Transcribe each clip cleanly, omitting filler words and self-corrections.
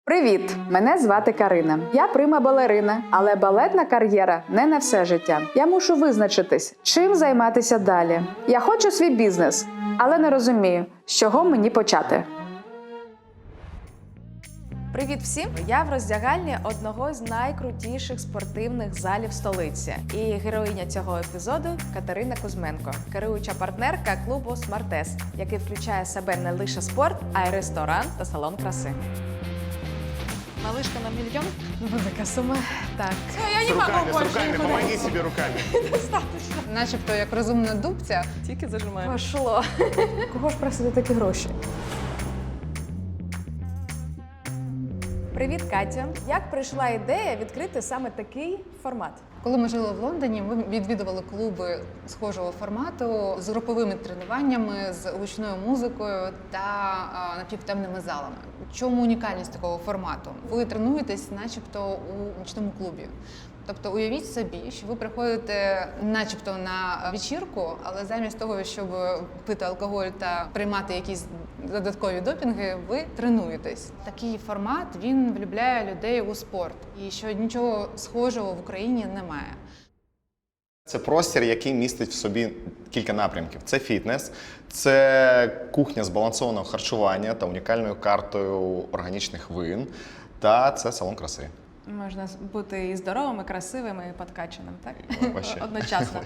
Привіт! Мене звати Карина. Я прима-балерина, але балетна кар'єра не на все життя. Я мушу визначитись, чим займатися далі. Я хочу свій бізнес, але не розумію, з чого мені почати. Привіт всім! Я в роздягальні одного з найкрутіших спортивних залів столиці. І героїня цього епізоду Катерина Кузьменко, керуюча партнерка клубу «Смартес», який включає в себе не лише спорт, а й ресторан та салон краси. Малышка на мільйон? Велика сума. Так. Я не могу больше. С руками, помоги себе руками. Достаточно. Начебто як розумна дубця. Тільки зажимаємо. Пошло. Кого ж просити такі гроші? Привіт, Катя. Як прийшла ідея відкрити саме такий формат? Коли ми жили в Лондоні, ми відвідували клуби схожого формату з груповими тренуваннями, з гучною музикою та напівтемними залами. В чому унікальність такого формату? Ви тренуєтесь начебто у нічному клубі. Тобто уявіть собі, що ви приходите начебто на вечірку, але замість того, щоб пити алкоголь та приймати якісь додаткові допінги, ви тренуєтесь. Такий формат, він влюбляє людей у спорт. І що нічого схожого в Україні немає. Це простір, який містить в собі кілька напрямків. Це фітнес, це кухня збалансованого харчування та унікальною картою органічних вин, та це салон краси. Можна бути і здоровим, і красивим, і подкачаним, так? Одночасно.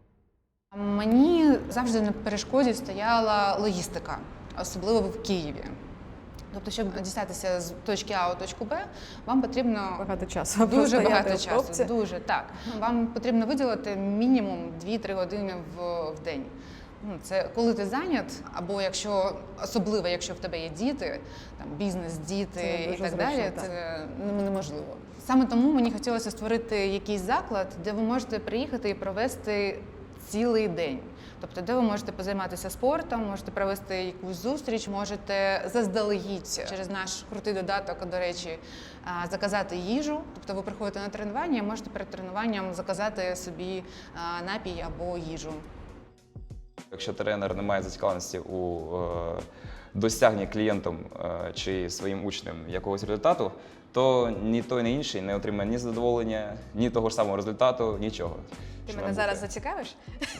Мені завжди на перешкоді стояла логістика, особливо в Києві. Тобто, щоб дістатися з точки А у точку Б, вам потрібно Багато часу. дуже багато часу. Дуже, так. Вам потрібно виділити мінімум 2-3 години в день. Це коли ти зайнят, або особливо, якщо в тебе є діти, там бізнес, діти і так далі, це неможливо. Саме тому мені хотілося створити якийсь заклад, де ви можете приїхати і провести цілий день. Тобто, де ви можете позайматися спортом, можете провести якусь зустріч, можете заздалегідь через наш крутий додаток, до речі, заказати їжу. Тобто ви приходите на тренування і можете перед тренуванням заказати собі напій або їжу. Якщо тренер не має зацікавленості у досягненні клієнтом чи своїм учнем якогось результату, то ні той, ні інший не отримає ні задоволення, ні того ж самого результату, нічого. Ти мене зараз зацікавиш?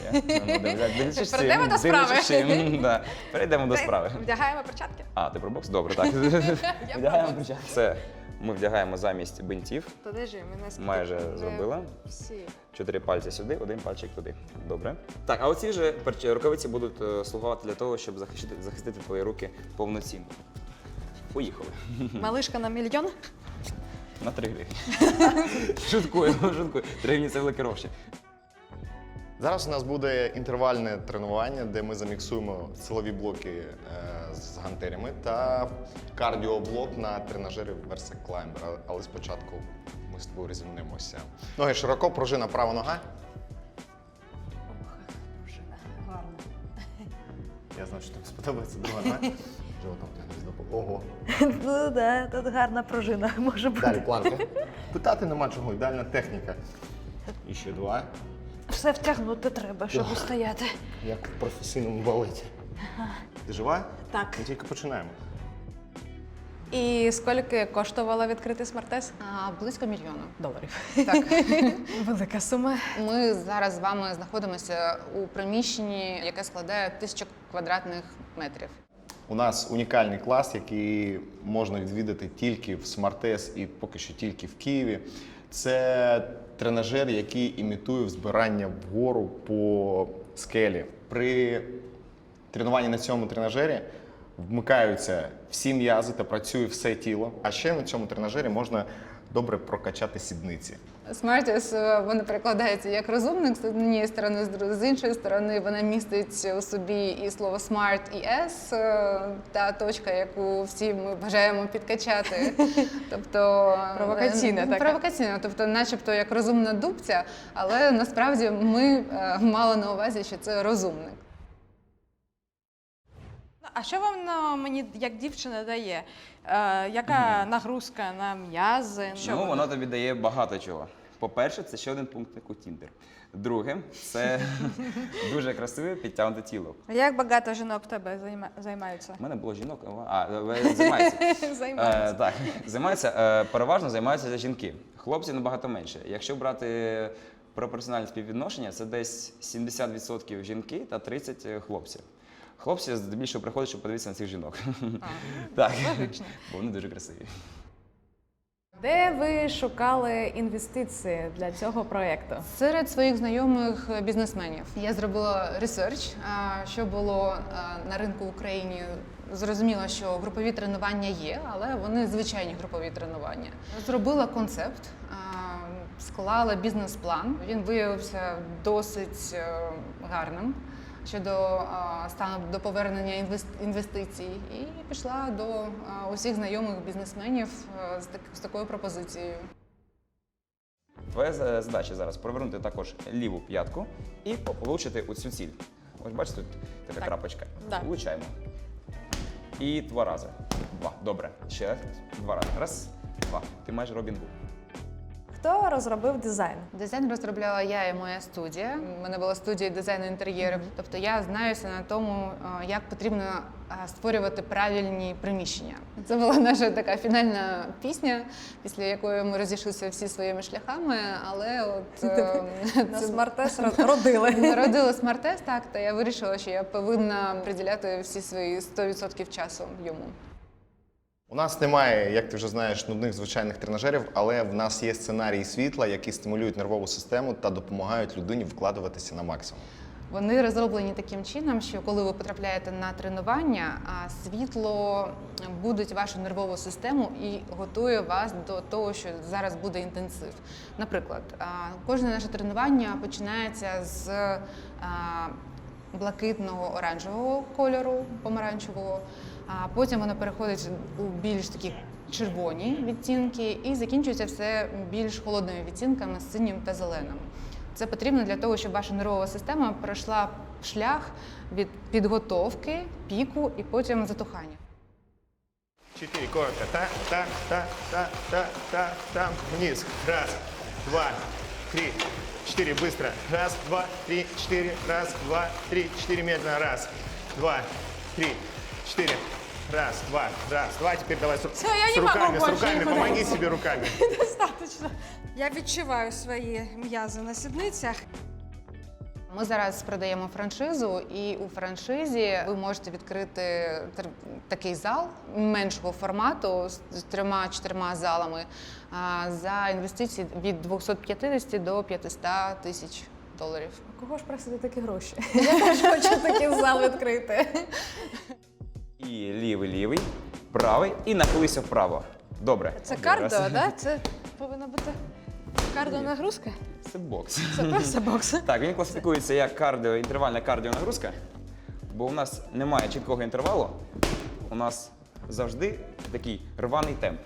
Перейдемо до справи. Перейдемо до справи. Вдягаємо перчатки? А, ти про бокс? Добре, так. Вдягаємо перчатки. Це ми вдягаємо замість бинтів. Майже зробила. Всі. 4 пальці сюди, 1 пальчик туди. Добре. Так, а оці вже рукавиці будуть слугувати для того, щоб захистити твої руки повноцінно. Поїхали. Малишка на мільйон? На 3 гривні. Шуткую. 3 гривні – це великі гроші. Зараз у нас буде інтервальне тренування, де ми заміксуємо силові блоки з гантелями та кардіоблок на тренажері Versa Climber. Але спочатку ми з тобою розімнемося. Ноги широко, пружина права нога. Пружина. Гарно. Я знаю, що тобі сподобається друга нога. Животом ти ого. Ну да, тут гарна пружина може бути. Далі планка. Питати нема чого, ідеальна техніка. І ще 2. Все втягнути треба, щоб устояти. Як в професійному балеті. Ти жива? Так. Ми тільки починаємо. І скільки коштувало відкрити «Смартес»? Близько $1 мільйона. Так. Велика сума. Ми зараз з вами знаходимося у приміщенні, яке складає 1000 квадратних метрів. У нас унікальний клас, який можна відвідати тільки в «Смартес» і поки що тільки в Києві. Це тренажер, який імітує взбирання вгору по скелі. При тренуванні на цьому тренажері вмикаються всі м'язи та працює все тіло. А ще на цьому тренажері можна добре прокачати сідниці. Смартес, вона перекладається як розумник з однієї сторони, з іншої сторони вона містить у собі і слово smart і S, та точка, яку всі ми бажаємо підкачати. Тобто Провокаційна така. Провокаційна, тобто начебто як розумна дубця, але насправді ми мали на увазі, що це розумник. А що воно мені, як дівчина, дає? Яка нагрузка на м'язи? Ну, воно тобі дає багато чого. По-перше, це ще один пункт, як у Tinder. Друге це дуже красиве підтягнуте тіло. Як багато жінок в тебе займаються? У мене було жінок, займаються. Займаються. Так, займаються, переважно займаються жінки. Хлопці набагато менше. Якщо брати пропорціональне співвідношення, це десь 70% жінки та 30% хлопців. Хлопці здебільшого приходять, щоб подивитися на цих жінок. Так, бо вони дуже красиві. Де ви шукали інвестиції для цього проєкту? Серед своїх знайомих бізнесменів я зробила ресерч, що було на ринку в Україні. Зрозуміла, що групові тренування є, але вони звичайні групові тренування. Зробила концепт, склала бізнес-план. Він виявився досить гарним щодо стану до повернення інвестицій, і пішла до усіх знайомих бізнесменів з такою пропозицією. Твоя задача зараз провернути також ліву п'ятку і влучити у цю ціль. Ось бачите, тут така крапочка. Да. Влучаємо. І 2 рази. 2. Добре. Ще 2 рази. Раз, 2. Ти майже Робін Гуд. Хто розробив дизайн? Дизайн розробляла я і моя студія. У мене була студія дизайну інтер'єрів. Тобто я знаюся на тому, як потрібно створювати правильні приміщення. Це була наша така фінальна пісня, після якої ми розійшлися всі своїми шляхами, але от На Смартес родили. народила Смартес, так, та я вирішила, що я повинна приділяти всі свої 100% часу йому. У нас немає, як ти вже знаєш, нудних звичайних тренажерів, але в нас є сценарії світла, які стимулюють нервову систему та допомагають людині вкладуватися на максимум. Вони розроблені таким чином, що коли ви потрапляєте на тренування, світло будить вашу нервову систему і готує вас до того, що зараз буде інтенсив. Наприклад, кожне наше тренування починається з блакитного оранжевого кольору, помаранчевого, а потім воно переходить у більш такі червоні відтінки і закінчується все більш холодними відтінками, синім та зеленим. Це потрібно для того, щоб ваша нервова система пройшла шлях від підготовки, піку і потім затухання. 4, коротко. Та. Вниз. Раз, 2, 3, 4. Быстро. Раз, 2, 3, 4. Раз, 2, 3, 4. Медленно. Раз, 2, 3, 4. Раз, два. Теперь давай с я не могу руками, с больше, руками. не Помоги могу. себе руками. Достатньо. Я відчуваю свої м'язи на сідницях. Ми зараз продаємо франшизу, і у франшизі ви можете відкрити такий зал меншого формату з 3-4 залами за інвестиції від 250 до 500 тисяч доларів. Кого ж просити такі гроші? Я теж хочу такий зал відкрити. І лівий, правий і нахилися вправо. Добре. Це Один кардіо, раз. да? Це повинна бути кардіонагрузка? Це бокс. Це просто бокс. Так, він класифікується як інтервальна кардіонагрузка, бо у нас немає чіткого інтервалу, у нас завжди такий рваний темп.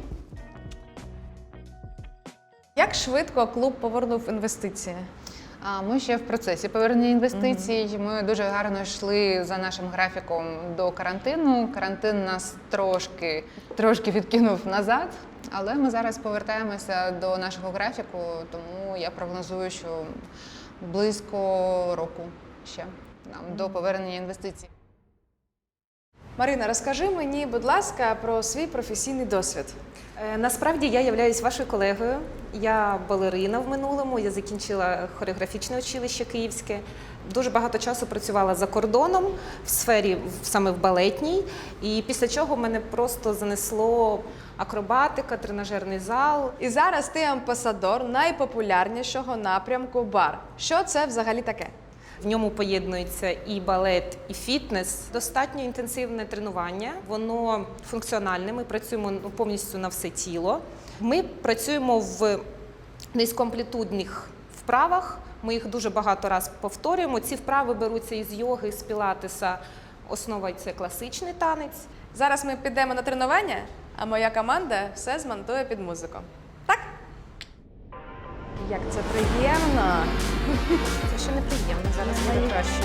Як швидко клуб повернув інвестиції? Ми ще в процесі повернення інвестицій. Ми дуже гарно йшли за нашим графіком до карантину. Карантин нас трошки відкинув назад, але ми зараз повертаємося до нашого графіку, тому я прогнозую, що близько року ще нам до повернення інвестицій. Марина, розкажи мені, будь ласка, про свій професійний досвід. Насправді я являюсь вашою колегою. Я балерина в минулому, я закінчила хореографічне училище київське. Дуже багато часу працювала за кордоном в сфері саме в балетній. І після чого мене просто занесло акробатика, тренажерний зал. І зараз ти амбасадор найпопулярнішого напрямку бар. Що це взагалі таке? В ньому поєднується і балет, і фітнес. Достатньо інтенсивне тренування, воно функціональне, ми працюємо повністю на все тіло. Ми працюємо в низькоамплітудних вправах, ми їх дуже багато разів повторюємо. Ці вправи беруться із йоги, з пілатеса, основа – це класичний танець. Зараз ми підемо на тренування, а моя команда все змонтує під музику. Так? Як це приємно! Це ще неприємно, зараз буде краще.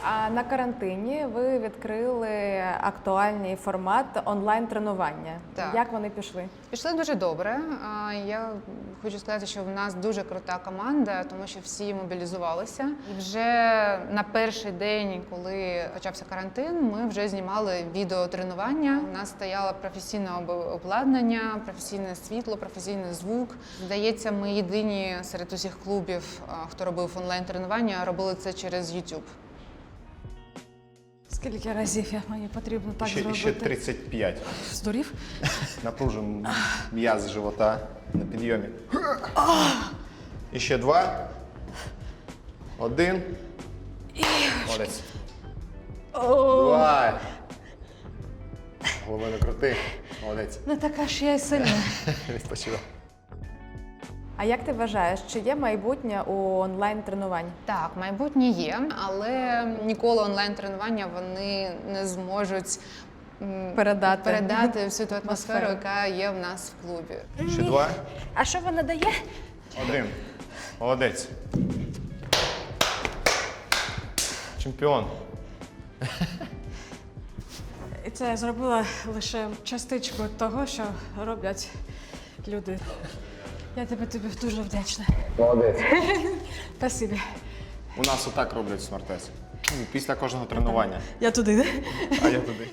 А на карантині ви відкрили актуальний формат онлайн-тренування. Так. Як вони пішли? Пішли дуже добре. Я хочу сказати, що в нас дуже крута команда, тому що всі мобілізувалися. І вже на перший день, коли почався карантин, ми вже знімали відеотренування. У нас стояло професійне обладнання, професійне світло, професійний звук. Здається, ми єдині серед усіх клубів, хто робив онлайн-тренування, робили це через YouTube. Скільки разів мені потрібно так Ще 35. Здурів? Напружимо м'яз живота на підйомі. І ще 2. 1. Молодець. 2. Голови не крути. Молодець. Не така ж я й сильна. Відпочивай. А як ти вважаєш, чи є майбутнє у онлайн-тренувань? Так, майбутнє є, але ніколи онлайн-тренування вони не зможуть передати всю ту атмосферу, яка є в нас в клубі. Ще 2. А що вона дає? 1. Молодець. Чемпіон. І це я зробила лише частичку того, що роблять люди. Я тобі дуже вдячна. Молодець. Спасибі. У нас отак роблять смартес. Після кожного тренування. Я туди, да? А я туди.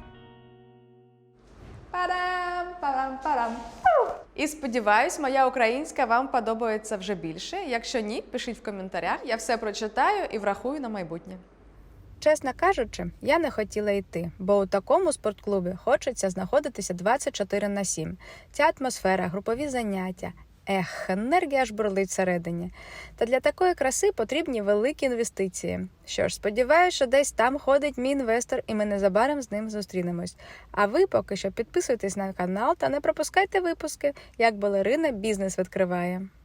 Парам. І сподіваюсь, моя українська вам подобається вже більше. Якщо ні, пишіть в коментарях, я все прочитаю і врахую на майбутнє. Чесно кажучи, я не хотіла йти, бо у такому спортклубі хочеться знаходитися 24/7. Ця атмосфера, групові заняття. Енергія аж бурлить всередині. Та для такої краси потрібні великі інвестиції. Що ж, сподіваюся, що десь там ходить мій інвестор, і ми незабаром з ним зустрінемось. А ви поки що підписуйтесь на канал та не пропускайте випуски, як балерина бізнес відкриває.